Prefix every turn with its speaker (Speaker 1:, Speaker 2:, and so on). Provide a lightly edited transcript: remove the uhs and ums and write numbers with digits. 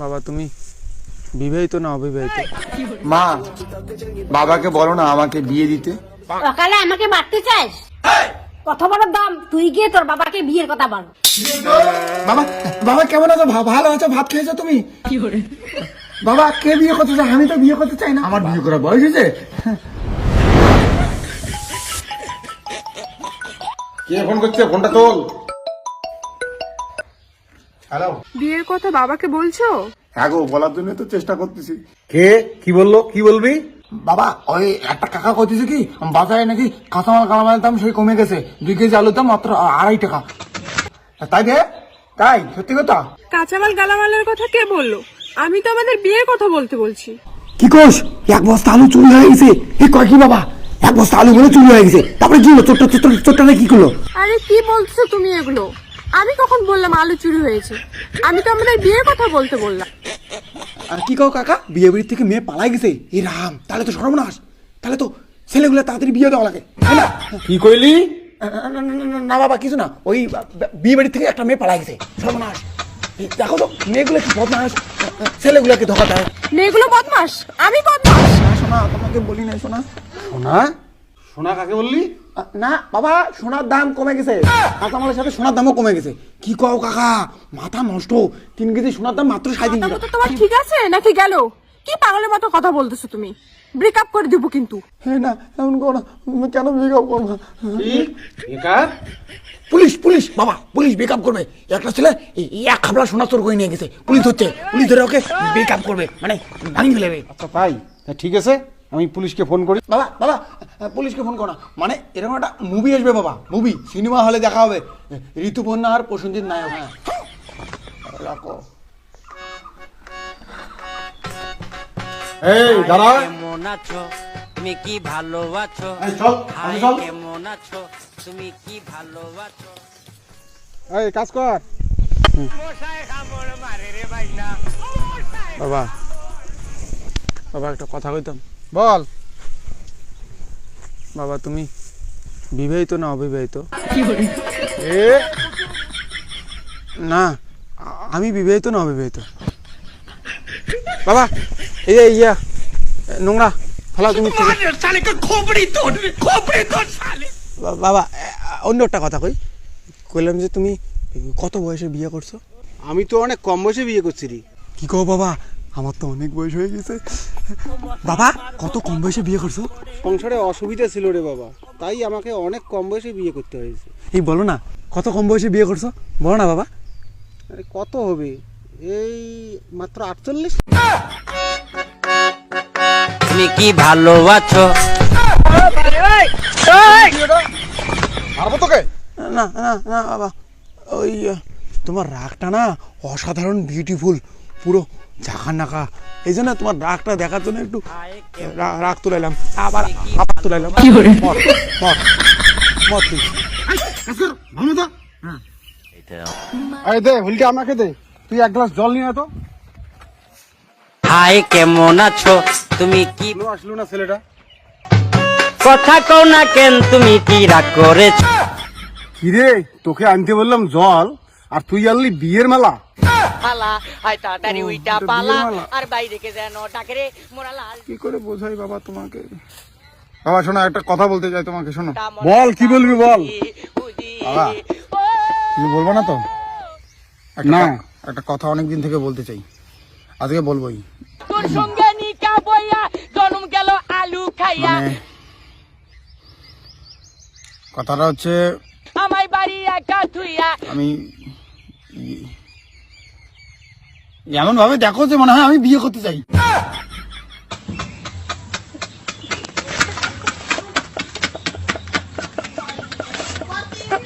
Speaker 1: বাবা তুমি বিবাহিত না অবিবাহিত?
Speaker 2: মা, বাবাকে বলো না আমাকে বিয়ে দিতে।
Speaker 3: সকালে আমাকে মারতে চাস? কত বড় দাম, তুই গিয়ে তোর বাবাকে বিয়ের কথা বল।
Speaker 2: বাবা, বাবা কেমন আছো? ভালো আছো? ভাত খেয়েছো তুমি? বাবা কে বিয়ে করতে চাই? আমি তো বিয়ে করতে চাই না, আমার বিয়ে করার বয়স হয়েছে। কে ফোন করছে? ফোনটা তোল। হ্যালো,
Speaker 4: বিয়ের কথা বাবাকে বলছো?
Speaker 2: হ্যাঁ গো, বলার জন্য তো চেষ্টা করতেছি।
Speaker 5: কে কি বললো? কি বলবি?
Speaker 2: বাবা ওই একটা কাকা কইতেছে কি বাজারে নাকি কাঁচামাল কালামালের দাম সেই কমে গেছে, 2 কেজি আলুর দাম মাত্র 2.5 টাকা। তাই রে? তাই সত্যি কথা?
Speaker 4: কাঁচামাল গালামালের কথা কে বললো? আমি তো আমাদের বিয়ের কথা বলতে বলছি।
Speaker 2: কি কোস? 1 বস্তা আলু চুরি হয়ে গেছে। এ কয় কি বাবা? 1 বস্তা আলু বলে চুরি হয়ে গেছে। তারপরে কি হলো? চোরটা কি করলো?
Speaker 4: আরে কি বলছো তুমি এগুলো? আমি কখন বললাম আলু চুরি হয়েছে? আমি তো আমাদের বিয়ের কথা বলতে বললাম।
Speaker 2: আর কি কও কাকা? বিয়ে বাড়ির থেকে মেয়ে পালাই গেছে? এ রাম, তাহলে তো সর্বনাশ। তাহলে তো ছেলেগুলো তাড়াতাড়ি বিয়ে দেওয়া লাগে, তাই না?
Speaker 5: কি কইলি?
Speaker 2: না বাবা কিছু না, ওই বিয়ে বাড়ির থেকে একটা মেয়ে পালাই গেছে, সর্বনাশ। দেখো তো মেয়েগুলো কি বদমাস, ছেলেগুলোকে ধোকা দেয়।
Speaker 4: মেয়েগুলো বদমাস? আমি বদমাস?
Speaker 2: না শোনা, তোমাকে বলি না শোনা।
Speaker 5: সোনা? সোনা কাকে বললি?
Speaker 2: না বাবা, সোনার দাম কমে গেছে, কাঁচামালের সাথে সোনার দামও কমে গেছে। কি কও কাকা? মাথা নষ্ট। 3 কেজি সোনার দাম মাত্র 3.5
Speaker 4: কথা
Speaker 2: টাকা।
Speaker 4: তো তোমার ঠিক আছে নাকি গেল? কি পাগলের মতো কথা বলতেছো তুমি? ব্রেকআপ করে দিব কিন্তু।
Speaker 2: হ্যাঁ না, এমন করো না। কেন ব্রেকআপ করবো?
Speaker 5: বেকার?
Speaker 2: পুলিশ বাবা, পুলিশ ব্রেকআপ করবে। একটা ছেলে এক খাবলা সোনা চোর করে নিয়ে গেছে, পুলিশ ধরছে। পুলিশ ধরে ওকে ব্রেকআপ করবে, মানে ভাঙি ফেলেবে।
Speaker 5: আচ্ছা তাই? ঠিক আছে, আমি পুলিশকে ফোন করি।
Speaker 2: বাবা বাবা, পুলিশকে ফোন করো না। মানে এরকম একটা মুভি আসবে বাবা, মুভি সিনেমা হলে দেখা হবে, ঋতুপর্ণা আর প্রসেনজিৎ নায়ক। হ্যাঁ রাখো।
Speaker 5: এই দাঁড়া।
Speaker 6: কেমন আছো তুমি, কি ভালো আছো?
Speaker 5: এই চল,
Speaker 6: হাই
Speaker 5: চল।
Speaker 6: কেমন আছো তুমি, কি ভালো আছো?
Speaker 5: এই কাজ কর।
Speaker 1: বাবা বাবা একটা কথা কইতাম।
Speaker 5: বল।
Speaker 1: বাবা তুমি বিবাহিত না অবিবাহিত?
Speaker 5: এ
Speaker 1: না আমি বিবাহিত না অবিবাহিত। বাবা এই যে ইয়া নোংরা ফেলা তুমি। বাবা অন্য একটা কথা কইলাম যে তুমি কত বয়সে বিয়ে করছো?
Speaker 5: আমি তো অনেক কম বয়সে বিয়ে করছি রে।
Speaker 1: কি কও বাবা, আমার তো অনেক বয়স হয়ে গেছে। বাবা কত কম বয়সে বিয়ে করছো?
Speaker 5: সংসারে অসুবিধা ছিল রে বাবা, তাই আমাকে অনেক কম বয়সে বিয়ে করতে হয়েছে।
Speaker 1: এই বলো না কত কম বয়সে বিয়ে করছো, বলো না বাবা।
Speaker 5: আরে কত হবে? এই মাত্র 48।
Speaker 6: তুমি কি ভালো আছো?
Speaker 5: মারবো তোকে?
Speaker 1: না না না বাবা, ওই তোমার রাগটা না অসাধারণ বিউটিফুল, পুরো ঝাঁকা নাকা। এই জন্য তোমার রাগটা দেখার জন্য একটু রাগ তুলাইলাম, আবার তুলাইলাম। মত তুই
Speaker 5: এই দে হুলটা আমাকে দে। তুই 1 গ্লাস জল নিয়ে আয় তো।
Speaker 6: হাই কেমন আছো তুমি, কি
Speaker 5: আসলো না ছেলেটা?
Speaker 6: কথা কও না কেন, তুমি কি রাগ করেছো?
Speaker 5: কিরে, তোকে আনতে বললাম জল আর তুই আনলি বিয়ের মেলা।
Speaker 6: পালা আই তাড়াতাড়ি উইটা পালা, আর বাইরে কে যেন ডাকে রে মোরা লাল।
Speaker 2: কি করে বোঝাই বাবা তোমাকে? বাবা শোনো, একটা কথা বলতে চাই তোমাকে, শোনো।
Speaker 5: বল, কি বলবি বল।
Speaker 2: বাবা তুমি বলবো না তো?
Speaker 5: না।
Speaker 2: একটা কথা অনেকদিন থেকে বলতে চাই, আজকে বলবোই।
Speaker 6: তোর সঙ্গে নিকা বইয়া জন্ম গেল আলু খাইয়া,
Speaker 2: মানে কথাটা হচ্ছে
Speaker 6: আমায় বাড়ি একা থুইয়া।
Speaker 2: আমি এমন ভাবে দেখো যে মনে হয় আমি বিয়ে করতে চাই।